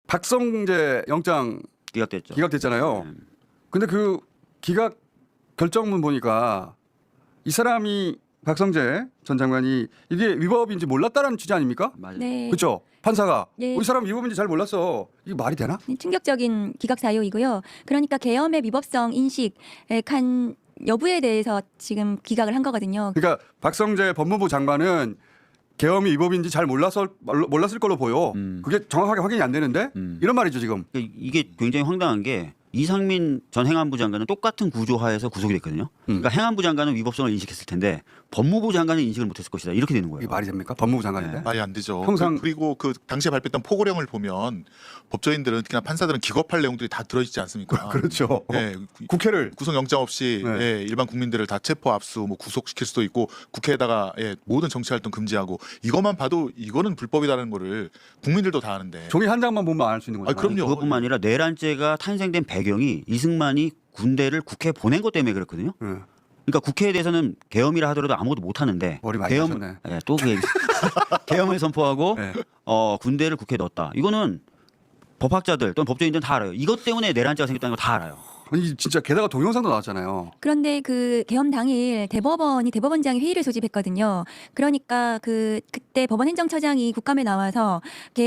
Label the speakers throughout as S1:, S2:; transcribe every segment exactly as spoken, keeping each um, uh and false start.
S1: 박성재 영장
S2: 기각됐죠.
S1: 기각됐잖아요.
S2: 네.
S1: 근데 그 기각 결정문 보니까 이 사람이 박성재 전 장관이 이게 위법인지 몰랐다라는 취지 아닙니까?
S2: 맞아요.
S3: 네.
S1: 그렇죠. 판사가
S3: 네.
S1: 이 사람 위법인지 잘 몰랐어. 이게 말이 되나?
S3: 네, 충격적인 기각 사유이고요. 그러니까 계엄의 위법성 인식의 간 여부에 대해서 지금 기각을 한 거거든요.
S1: 그러니까 박성재 법무부 장관은 계엄이 위법인지 잘 몰랐을 몰랐을 걸로 보여.
S2: 음.
S1: 그게 정확하게 확인이 안 되는데
S2: 음.
S1: 이런 말이죠 지금.
S2: 그러니까 이게 굉장히 황당한 게 이상민 전 행안부 장관은 똑같은 구조하에서 구속이 됐거든요.
S1: 음.
S2: 그러니까 행안부 장관은 위법성을 인식했을 텐데 법무부 장관은 인식을 못했을 것이다. 이렇게 되는 거예요.
S1: 이게 말이 됩니까? 법무부 장관인데.
S2: 네.
S4: 말이 안 되죠.
S1: 평상-
S4: 그, 그리고 그 당시에 발표했던 포고령을 보면 법조인들은 특히나 판사들은 기겁할 내용들이 다 들어있지 않습니까?
S1: 그렇죠.
S4: 예,
S1: 국회를
S4: 구속영장 없이
S1: 네.
S4: 예, 일반 국민들을 다 체포 압수 뭐 구속시킬 수도 있고 국회에다가 예, 모든 정치활동 금지하고 이것만 봐도 이거는 불법이라는 거를 국민들도 다 아는데
S1: 종이 한 장만 보면 알 수 있는 거죠.
S4: 아, 그럼요.
S2: 그것뿐만 아니라 내란죄가 탄생된 배경이 이승만이 군대를 국회에 보낸 것 때문에 그렇거든요.
S1: 네.
S2: 그러니까 국회에 대해서는 계엄이라 하더라도 아무것도 못 하는데
S1: 머리 많이
S2: 계엄,
S1: 하셨네.
S2: 예, 또 그 얘기. 계엄을 선포하고
S1: 네.
S2: 어, 군대를 국회에 넣었다. 이거는 법학자들 또는 법조인들은 다 알아요. 이것 때문에 내란죄가 생겼다는 거 다 알아요.
S1: 아니 진짜 게다가 동영상도 나왔잖아요.
S3: 그런데 그 계엄 당일 대법원이 대법원장이 회의를 소집했거든요. 그러니까 그 그때 법원 행정처장이 국감에 나와서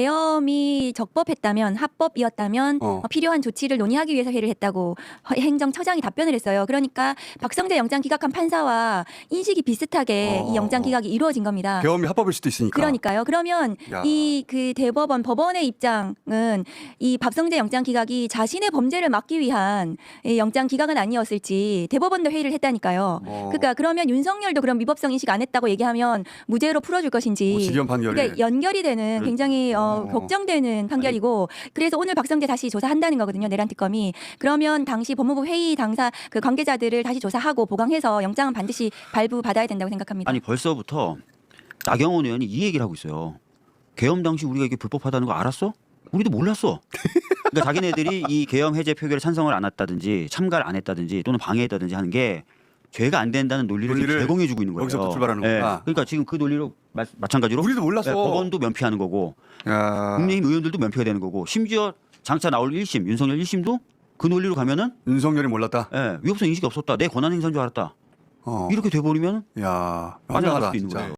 S3: 계엄이 적법했다면 합법이었다면
S1: 어.
S3: 어, 필요한 조치를 논의하기 위해서 회의를 했다고 허- 행정처장이 답변을 했어요. 그러니까 박성재 영장 기각한 판사와 인식이 비슷하게
S1: 어.
S3: 이 영장 기각이 이루어진 겁니다.
S1: 계엄이 합법일 수도 있으니까.
S3: 그러니까요. 그러면
S1: 야.
S3: 이 그 대법원 법원의 입장은 이 박성재 영장 기각이 자신의 범죄를 막기 위한 이 영장 기각은 아니었을지 대법원도 회의를 했다니까요.
S1: 어.
S3: 그러니까 그러면 윤석열도 그럼 위법성 인식 안 했다고 얘기하면 무죄로 풀어줄 것인지.
S1: 뭐 직연 판결이.
S3: 그러니까 연결이 되는 굉장히 어,
S1: 어.
S3: 걱정되는 판결이고 그래서 오늘 박성재 다시 조사한다는 거거든요. 내란 특검이. 그러면 당시 법무부 회의 당사 그 관계자들을 다시 조사하고 보강해서 영장은 반드시 발부받아야 된다고 생각합니다.
S2: 아니 벌써부터 나경원 의원이 이 얘기를 하고 있어요. 계엄 당시 우리가 이게 불법하다는 거 알았어? 우리도 몰랐어. 그러니까 자기네들이 이 계엄 해제 표결에 찬성을 안 했다든지 참가를 안 했다든지 또는 방해했다든지 하는 게 죄가 안 된다는 논리를,
S1: 논리를
S2: 제공해주고 있는 거예요.
S1: 여기서부터 출발하는 거구나.
S2: 그러니까 지금 그 논리로 마, 마찬가지로
S1: 우리도 몰랐어.
S2: 네, 법원도 면피하는 거고
S1: 야.
S2: 국민의힘 의원들도 면피가 되는 거고 심지어 장차 나올 일 심 윤석열 일 심도 그 논리로 가면은
S1: 윤석열이 몰랐다.
S2: 예, 위법성 인식이 없었다. 내 권한 행사인 줄 알았다.
S1: 어.
S2: 이렇게 돼버리면
S1: 야.
S2: 빠져나갈
S1: 황당하다
S2: 수도 있는
S1: 진짜.
S2: 거예요.